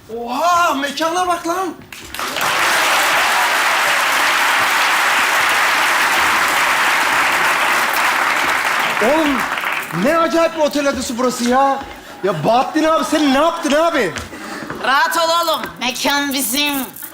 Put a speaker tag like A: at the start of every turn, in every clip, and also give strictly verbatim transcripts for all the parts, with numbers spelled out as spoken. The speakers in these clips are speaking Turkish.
A: Oha, mekana bak lan. Oğlum, ne acayip bir otel adresi burası ya. Ya Bahattin abi, sen ne yaptın abi?
B: Rahat ol oğlum. Mekan bizim.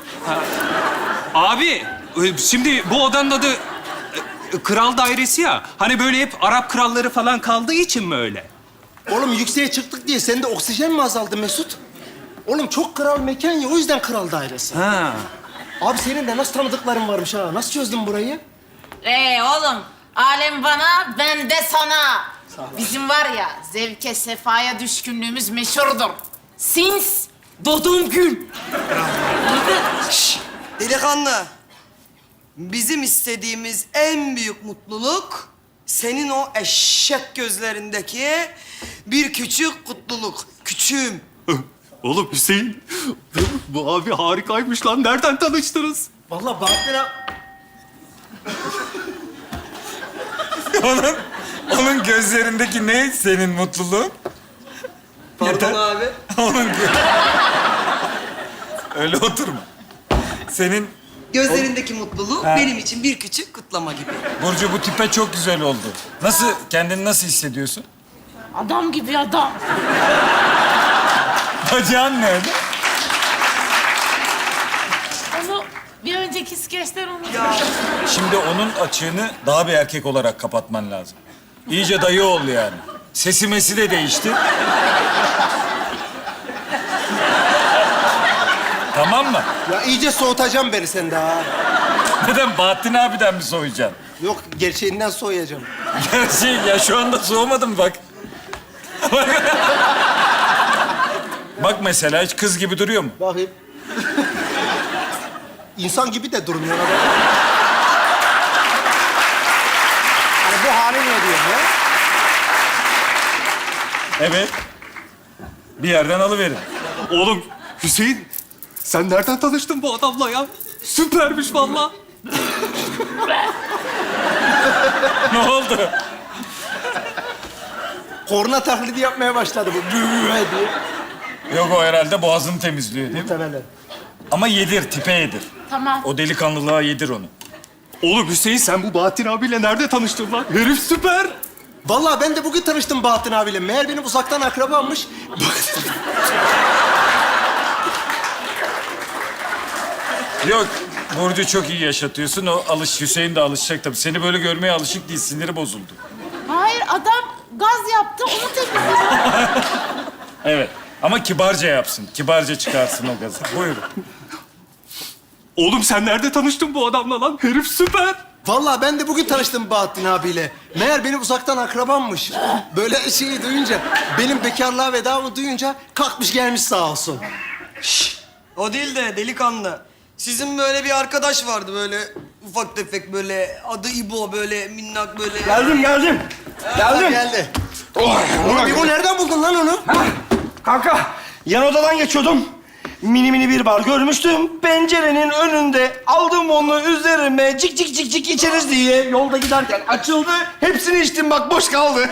C: Abi, e, şimdi bu odanın adı e, e, Kral Dairesi ya. Hani böyle hep Arap kralları falan kaldığı için mi öyle?
A: Oğlum yükseğe çıktık diye sende oksijen mi azaldı Mesut? Oğlum çok kral mekan ya, o yüzden kral dairesi.
C: Ha.
A: Abi senin de nasıl tanıdıkların varmış ha? Nasıl çözdün burayı?
B: Ee oğlum, alem bana, ben de sana. Bizim var ya, zevke sefaya düşkünlüğümüz meşhurdur. Since doğduğum gün.
D: Şşş, delikanlı. Bizim istediğimiz en büyük mutluluk senin o eşek gözlerindeki bir küçük kutluluk. Küçüğüm.
C: Oğlum Hüseyin, bu abi harikaymış lan. Nereden tanıştınız?
A: Vallahi Bahattin abi...
E: Onun, onun gözlerindeki ne senin mutluluğun?
D: Pardon abi.
E: Onun gö- Öyle oturma. Senin
D: Gözlerindeki mutluluk benim için bir küçük kutlama gibi.
E: Burcu bu tipe çok güzel oldu. Nasıl, kendini nasıl hissediyorsun?
B: Adam gibi adam.
E: Bacağın nerede?
B: Onu bir önceki skeçten unuttum.
D: Ya
E: Şimdi onun açığını daha bir erkek olarak kapatman lazım. İyice dayı oldu yani. Sesi mesi de değişti. Tamam mı?
A: Ya iyice soğutacağım beni sen daha.
E: Neden? Bahattin abiden mi soğuyacaksın?
A: Yok, gerçeğinden soğuyacağım.
E: Gerçi ya şu anda soğumadım bak. Bak mesela hiç kız gibi duruyor mu?
A: Bakayım. İnsan gibi de durmuyor adam. Hani bu hali ne diyor ya?
E: Evet. Bir yerden alıverin.
C: Oğlum Hüseyin, sen nereden tanıştın bu adamla ya? Süpermiş vallahi.
E: Ne oldu?
A: Korna taklidi yapmaya başladı bu. Böyle diye.
E: Yok o herhalde boğazını temizliyor değil mi?
A: Muhtemelen.
E: Ama yedir, tipe yedir.
B: Tamam.
E: O delikanlılığa yedir onu.
C: Oğlum Hüseyin, sen bu Bahattin abiyle nerede tanıştın lan? Herif süper.
A: Vallahi ben de bugün tanıştım Bahattin abiyle. Meğer benim uzaktan akrabammış.
E: Yok, Burcu çok iyi yaşatıyorsun. O alış, Hüseyin de alışacak tabii. Seni böyle görmeye alışık değil, siniri bozuldu.
B: Hayır, adam gaz yaptı, onu temizledi.
E: Evet, ama kibarca yapsın. Kibarca çıkarsın o gazı. Buyurun.
C: Oğlum sen nerede tanıştın bu adamla lan? Herif süper.
A: Vallahi ben de bugün tanıştım Bahattin abiyle. Meğer benim uzaktan akrabammış. Böyle şeyi duyunca, benim bekarlığa vedamı duyunca kalkmış gelmiş sağ olsun.
D: o değil de delikanlı. Sizin böyle bir arkadaş vardı böyle ufak tefek böyle adı İbo böyle minnak böyle.
A: Geldim, geldim. Geldim. Geldi. Oğlum İbo nereden buldun lan onu?
F: Kanka, yan odadan geçiyordum. Mini mini bir bar görmüştüm. Pencerenin önünde aldım onu üzerime cik cik cik cik içeriz diye yolda giderken açıldı. Hepsini içtim bak boş kaldı.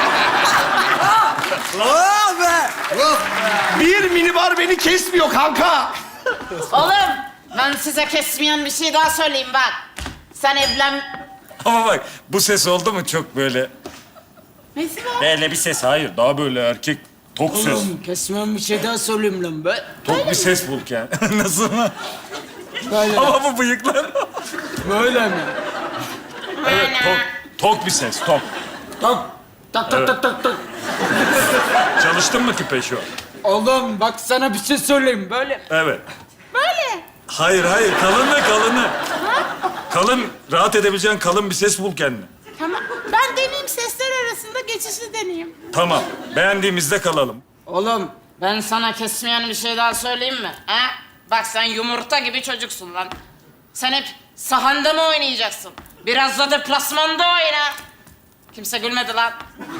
D: Oh be!
F: Bir mini bar beni kesmiyor kanka.
B: Oğlum, ben size kesmeyen bir şey daha söyleyeyim bak. Sen evlen...
E: Ama bak, bu ses oldu mu çok böyle...
B: Nesi var?
E: Böyle bir ses, hayır. Daha böyle erkek, tok ses.
G: Kesmem bir şey daha söyleyeyim lan be.
E: Tok bir ses bul yani. Nasıl mı?
G: Böyle.
E: Ama bu bıyıklar...
G: Böyle mi?
E: Evet, tok, tok bir ses, tok.
G: Tak tak tak tak tak tak.
E: Çalıştın mı tipe şu an?
G: Oğlum bak sana bir şey söyleyeyim böyle.
E: Evet.
B: Böyle.
E: Hayır, hayır. Kalını, kalını. Kalın, rahat edebileceğin kalın bir ses bul kendine.
B: Tamam, ben deneyeyim, sesler arasında geçişli deneyeyim.
E: Tamam. Beğendiğimizde kalalım.
B: Oğlum, ben sana kesmeyen bir şey daha söyleyeyim mi? Ha? Bak sen yumurta gibi çocuksun lan. Sen hep sahanda mı oynayacaksın? Biraz da deplasmanda oyna. Kimse gülmedi lan.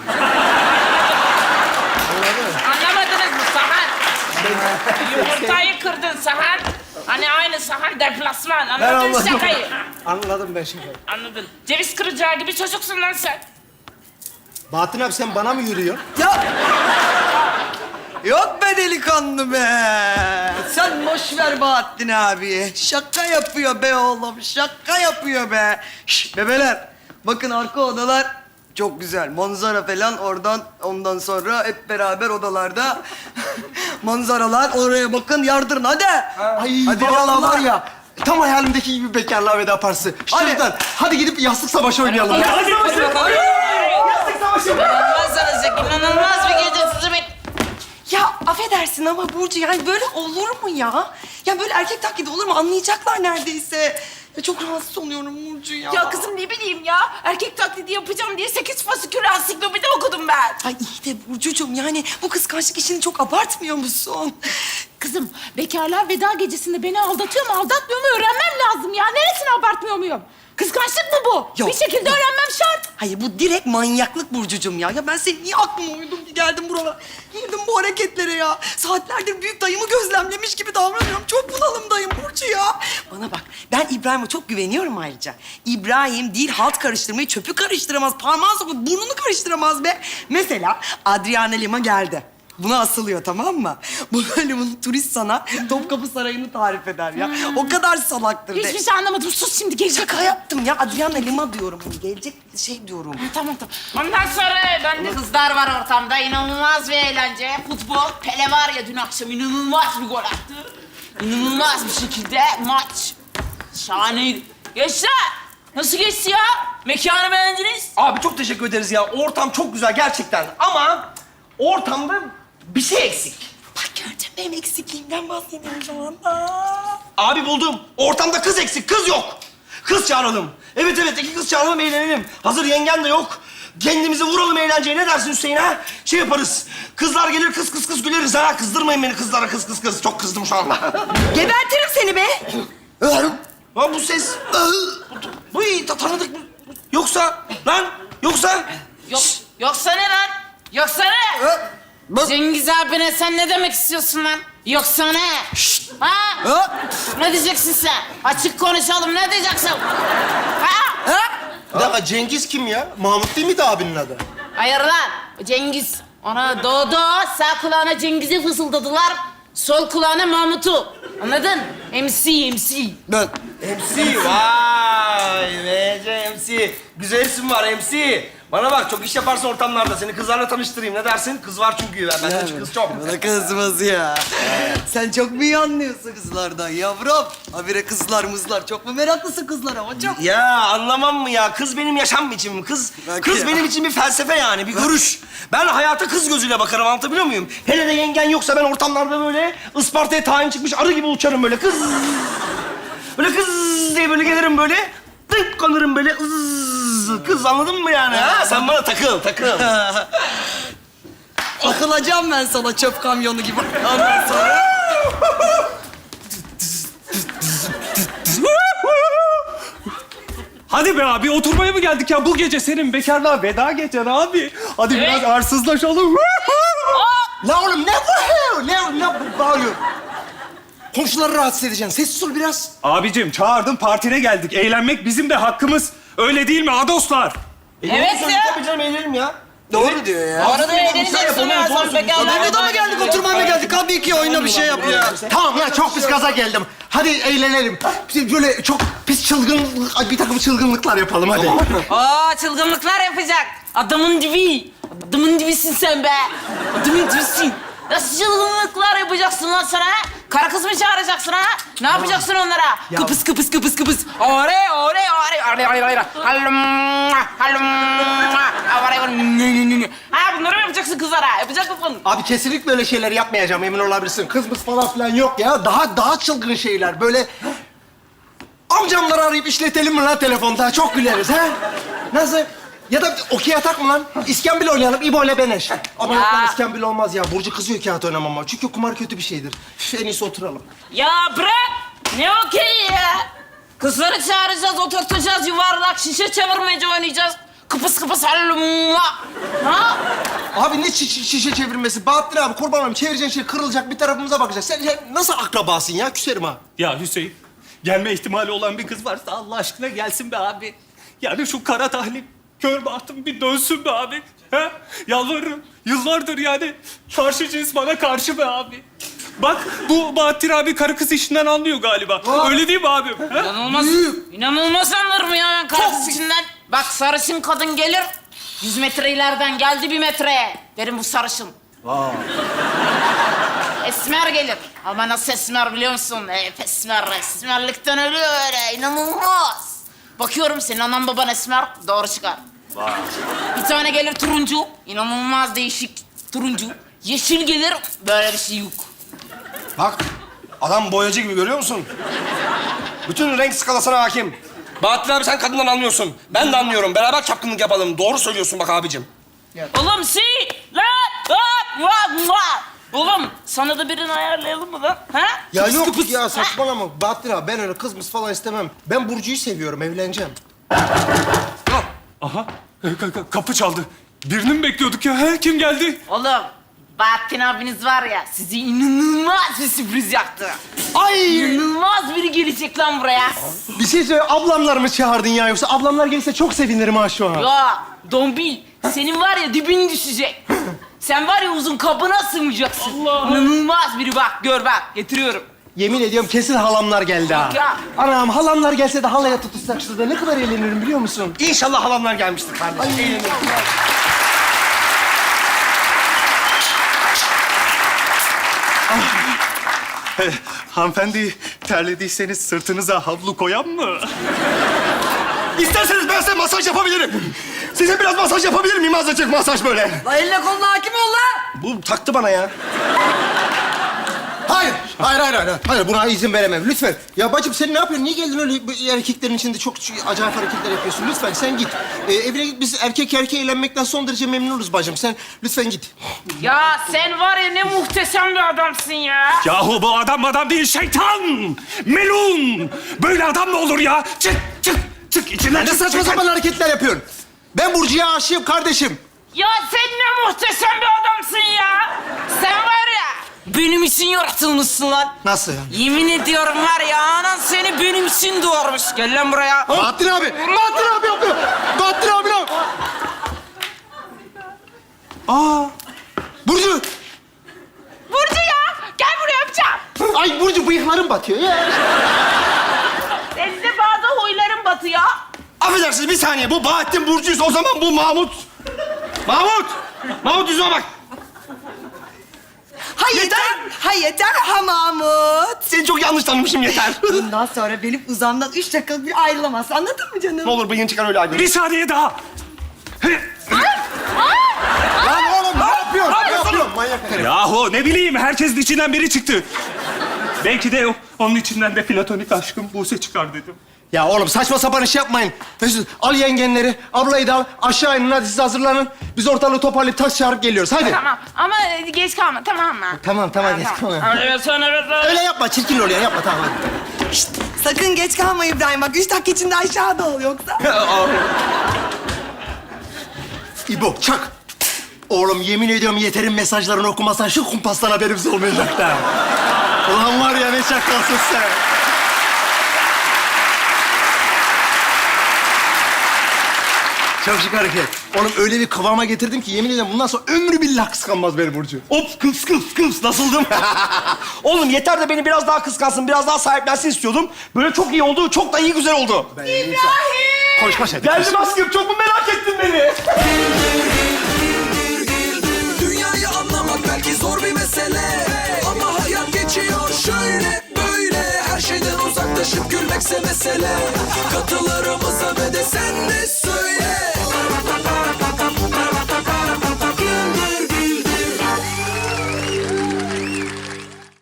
B: Anlamadınız mı Sahar? Yumurtayı kırdın Sahar. Hani aynı Sahar deplasman. Anladın
A: anladım.
B: şakayı.
A: Anladım ben şimdi.
B: Anladın. Ceviz kıracağı gibi çocuksun lan sen.
A: Bahattin abi sen bana mı yürüyorsun?
D: Ya! Yok be delikanlı be! boş ver Bahattin abi. Şaka yapıyor be oğlum, şaka yapıyor be. Şş, bebeler, bakın arka odalar çok güzel. Manzara falan oradan, ondan sonra hep beraber odalarda manzaralar. Oraya bakın, yardırın hadi.
A: Ay
D: Hadi
A: vallahi
D: vallahi.
A: var ya, tam hayalimdeki gibi bekarlığa veda partisi.
D: Hadi.
A: Şuradan, hadi gidip yastık savaşı oynayalım.
F: Hadi, hadi, hadi. Yastık savaşı.
B: İnanılmaz Zeki, inanılmaz bir gece sizi bek...
H: Ya affedersin ama Burcu yani böyle olur mu ya? Ya böyle erkek taklidi olur mu? Anlayacaklar neredeyse. Ya çok rahatsız oluyorum Burcu ya.
I: Ya kızım ne bileyim ya. Erkek taklidi yapacağım diye sekiz fasikül ansiklopedi okudum ben.
H: Ay iyi de Burcucuğum yani bu kıskançlık işini çok abartmıyor musun?
I: Kızım bekarlar veda gecesinde beni aldatıyor mu aldatmıyor mu öğrenmem lazım ya. Neresini abartmıyor muyum? Kıskançlık mı bu?
H: Yok,
I: Bir şekilde
H: yok.
I: öğrenmem şart.
H: Hayır bu direkt manyaklık Burcucuğum ya. Ya ben senin niye aklıma uydum ki geldim buralara? Girdim bu hareketlere ya. Saatlerdir büyük dayımı gözlemlemiş gibi davranıyorum. Çok bunalımdayım Burcu ya. Bana bak ben İbrahim'e çok güveniyorum ayrıca. İbrahim değil halt karıştırmayı çöpü karıştıramaz. Parmağı sokup burnunu karıştıramaz be. Mesela Adriana Lima geldi. Buna asılıyor tamam mı? Bu böyle bunu turist sana Topkapı Sarayı'nı tarif eder ya. O kadar salaktır de.
I: Hiçbir şey anlamadım. Sus şimdi gelecek.
H: Şaka yaptım ya. Adriana Lima diyorum. Hani gelecek şey diyorum.
I: Tamam tamam.
B: Ondan sonra bende kızlar var ortamda. İnanılmaz bir eğlence. Futbol. Pele var ya dün akşam inanılmaz bir gol attı. İnanılmaz bir şekilde maç. Şahaneydi. Gençler nasıl geçti ya? Mekanı beğendiniz?
F: Abi çok teşekkür ederiz ya. Ortam çok güzel gerçekten. Ama ortamda bir şey eksik.
H: Bak gördün mü benim eksikliğimden bahsediyorum şu anda.
F: Abi buldum. Ortamda kız eksik. Kız yok. Kız çağıralım. Evet evet iki kız çağıralım eğlenelim. Hazır yengen de yok. Kendimizi vuralım eğlenceye. Ne dersin Hüseyin ha? Şey yaparız. Kızlar gelir kız kız kız güleriz ha. Kızdırmayın beni kızlara kız kız kız. Çok kızdım şu anda.
H: Gebertirim seni be.
F: Lan bu ses. Bu iyi ta- tanıdık mı? Yoksa lan yoksa.
B: Yok, yoksa ne lan? Yoksa ne? Cengiz abine sen ne demek istiyorsun lan? Yoksa ne? Ha? Ne diyeceksin sen? Açık konuşalım, ne diyeceksin? Ha?
A: Bir dakika, Cengiz kim ya? Mahmut değil miydi abinin adı?
B: Hayır lan, Cengiz. Ona doğdu, sağ kulağına Cengiz'i fısıldadılar, sol kulağına Mahmut'u. Anladın? M C, M C.
F: Ben. M C vay M C M C. Güzel isim var M C. Bana bak çok iş yaparsın ortamlarda. Seni kızlarla tanıştırayım. Ne dersin? Kız var çünkü. Ben, benden kız çok.
D: Bana kızmaz ya. Sen çok mu iyi anlıyorsun kızlardan yavrum? Habire kızlar mızlar. Çok mu meraklısın kızlara hocam?
F: Ya anlamam mı ya? Kız benim yaşam biçimim. Kız
D: Bak
F: kız
D: ya.
F: benim için bir felsefe yani, bir görüş. Ben hayata kız gözüyle bakarım, anlatabiliyor muyum? Hele de yengen yoksa ben ortamlarda böyle Isparta'ya tayin çıkmış arı gibi uçarım böyle kız. Böyle kız diye böyle gelirim böyle. Tık kanırım böyle ız. Kız anladın mı yani? Ha? Sen bana takıl, takıl.
D: Takılacağım ben sana çöp kamyonu gibi. Ondan sonra...
C: Hadi be abi oturmaya mı geldik ya? Bu gece senin bekarlığa veda gecen abi. Hadi biraz arsızlaşalım.
A: La oğlum ne bu? Ne, ne bağırıyor? Komşuları rahatsız edeceksin. Sessiz ol biraz.
C: Abicim çağırdım partine geldik. Eğlenmek bizim de hakkımız. Öyle değil mi adoslar?
B: Evet ya.
F: Tabii canım eğlenirim ya.
D: Doğru diyor ya.
B: Arada eğleneceksin ya, sen bekarlar.
D: Abi da mı geldik, oturmaya mı geldik? Tabii ki oyna bir şey yap ya.
A: Tamam ya, çok pis gaza geldim. Hadi eğlenelim. Böyle çok pis çılgın, bir takım çılgınlıklar yapalım hadi.
B: Aa, çılgınlıklar yapacak. Adamın dibi. Adamın dibisin sen be. Adamın dibisin. Nasıl çılgınlıklar yapacaksın lan sana? Ha? Kara kız mı çağıracaksın ha? Ne yapacaksın onlara? Kıpıs kıpıs kıpıs kıpıs. Ore ore ore ore ore ore. Halum halum. Ore ore. Ha, bunları mı yapacaksın kızlara? Yapacak mısın?
A: Abi kesinlikle öyle şeyler yapmayacağım, emin olabilirsin. Kızımız falan filan yok ya. Daha daha çılgın şeyler. Böyle amcamları arayıp işletelim mi lan telefonda? Çok güleriz ha? Nasıl? Ya da okey atak mı lan? İskambil oynayalım, İbo ile Beneş. Ama yok lan, iskambil olmaz ya. Burcu kızıyor kağıt oynamama. Çünkü kumar kötü bir şeydir. Üf, en iyisi oturalım.
B: Ya bırak. Ne okey ya? Kızları çağıracağız, oturtacağız, yuvarlak şişe çevirmece oynayacağız. Kıpıs kıpıs hallum. Ha?
A: Abi ne şi- şişe çevirmesi? Bahattin abi kurban olayım. Çevireceğin şey kırılacak, bir tarafımıza bakacak. Sen, sen nasıl akrabasın ya? Küserim ha.
C: Ya Hüseyin, gelme ihtimali olan bir kız varsa Allah aşkına gelsin be abi. Yani şu kara tahlim, kör bahtım bir dönsün be abi. He? Yalvarırım. Yıllardır yani karşı cins bana karşı be abi. Bak bu Bahattin abi karı kız işinden anlıyor galiba. Öyle değil mi abim? Ha?
B: İnanılmaz. İnanılmaz anlarım ya ben karısı içinden. Bak sarışın kadın gelir. Yüz metre ileriden geldi bir metreye. Derim bu sarışın. Esmer gelir. Ama nasıl esmer biliyor musun? Hep esmer. Esmerlikten ölüyor öyle. İnanılmaz. Bakıyorum senin anan baban esmer. Doğru çıkar. Bir tane gelir turuncu. İnanılmaz değişik turuncu. Yeşil gelir. Böyle bir şey yok.
F: Bak, adam boyacı gibi görüyor musun? Bütün renk skalasına hakim. Bahattin abi sen kadından anlıyorsun. Ben de anlıyorum. Beraber çapkınlık yapalım. Doğru söylüyorsun bak abicim.
B: Oğlum si la la la la. Oğlum sana da birini ayarlayalım mı lan? Ha?
A: Ya
B: Kıpıs
A: yok
B: kıpıs.
A: ya saçmalama. Bahattin abi ben öyle kız mız falan istemem. Ben Burcu'yu seviyorum, evleneceğim.
C: Aha e, ka- ka- kapı çaldı. Birini mi bekliyorduk ya? Ha? Kim geldi?
B: Oğlum Bahattin abiniz var ya sizi inanılmaz bir sürpriz yaptı.
A: Ay!
B: İnanılmaz biri gelecek lan buraya.
A: Bir şey söyle, ablamlar mı çağırdın ya yoksa ablamlar gelirse çok sevinirim ha şu an.
B: Ya Dombil senin var ya dibin düşecek. Sen var ya uzun kabına sığmayacaksın. İnanılmaz biri bak gör bak getiriyorum.
A: Yemin ediyorum kesin halamlar geldi ha.
B: Ya.
A: Anam halamlar gelse de halaya tutuşsak şurada ne kadar eğlenirim biliyor musun?
F: İnşallah halamlar gelmiştir kardeşim. Eğlenirim.
C: Hanımefendi terlediyseniz sırtınıza havlu koyan mı?
F: İsterseniz ben size masaj yapabilirim. Size biraz masaj yapabilir miyim? Azıcık masaj böyle.
H: La eline koluna hakim ol la.
F: Bu taktı bana ya.
A: Hayır, hayır, hayır, hayır. Hayır, buna izin veremem. Lütfen. Ya bacım sen ne yapıyorsun? Niye geldin öyle bu erkeklerin içinde çok acayip hareketler yapıyorsun? Lütfen sen git. Ee, evine git. Biz erkek erkeğe eğlenmekten son derece memnunuz bacım. Sen lütfen git.
B: Ya sen var ya ne muhteşem bir adamsın ya.
C: Yahu bu adam adam değil şeytan! Melun! Böyle adam mı olur ya? Çık çık çık içinden
A: Ne
C: çık,
A: saçma
C: çık,
A: sapan
C: çık.
A: hareketler yapıyorsun? Ben Burcu'ya aşığım kardeşim.
B: Ya sen ne muhteşem bir adamsın ya. Sen var ya benim için yaratılmışsın lan.
A: Nasıl?
B: Yemin ediyorum var ya anan seni benim için doğurmuş. Gel lan buraya.
A: Bahattin abi! Bahattin abi yapıyor! Bahattin abi ne yapıyor? Aa! Burcu!
I: Burcu ya gel buraya öpeceğim.
A: Ay Burcu bıyıklarım batıyor ya.
I: Senin de bazı huyların batıyor.
F: Affedersiniz bir saniye. Bu Bahattin Burcu'ysa o zaman bu Mahmut. Mahmut! Mahmut yüzüme bak.
H: Ha yeter. Ha yeter ha Mahmut.
F: Seni çok yanlış tanımışım yeter.
H: Bundan sonra benim uzamdan üç dakika bir ayrılamazsın. Anladın mı canım?
F: Ne olur bıyığın çıkar öyle ayrılın.
C: Bir saniye daha.
A: Lan oğlum ne yapıyorsun? Ne yapıyorsun? Manyak herif.
C: Yahu ne bileyim herkesin içinden biri çıktı. Belki de o- onun içinden de platonik aşkım Buse çıkar dedim.
A: Ya oğlum saçma sapan iş yapmayın. Mesut al yengenleri, ablayı da al. Aşağı inin hadi siz hazırlanın. Biz ortalığı toparlayıp taş çağırıp geliyoruz. Hadi.
I: Tamam ama geç kalma tamam mı?
A: Tamam tamam geç tamam.
B: Evet sen evet.
A: Öyle yapma çirkin oluyor yapma tamam hadi.
H: Şşt, sakın geç kalma İbrahim. Bak üç dakika içinde aşağıda ol yoksa.
A: İbo çak. Oğlum yemin ediyorum Yeter'in mesajlarını okumasan şu kumpastan haberimiz olmayacak da. Ulan var ya ne şakasın sen. Çok şık hareket. Oğlum öyle bir kıvama getirdim ki yemin ediyorum bundan sonra ömrü billah kıskanmaz beni Burcu.
F: Hop kıs kıs kıs nasıldım? Oğlum yeter de beni biraz daha kıskansın, biraz daha sahiplensin istiyordum. Böyle çok iyi oldu, çok da iyi güzel oldu.
A: İbrahim! Koş koş hadi.
F: Geldim aşkım, çok mu merak ettin beni?
J: Dünyayı anlamak belki zor bir mesele, ama hayat geçiyor şöyle böyle. Her şeyden uzaklaşıp gülmekse mesele. Katılarımıza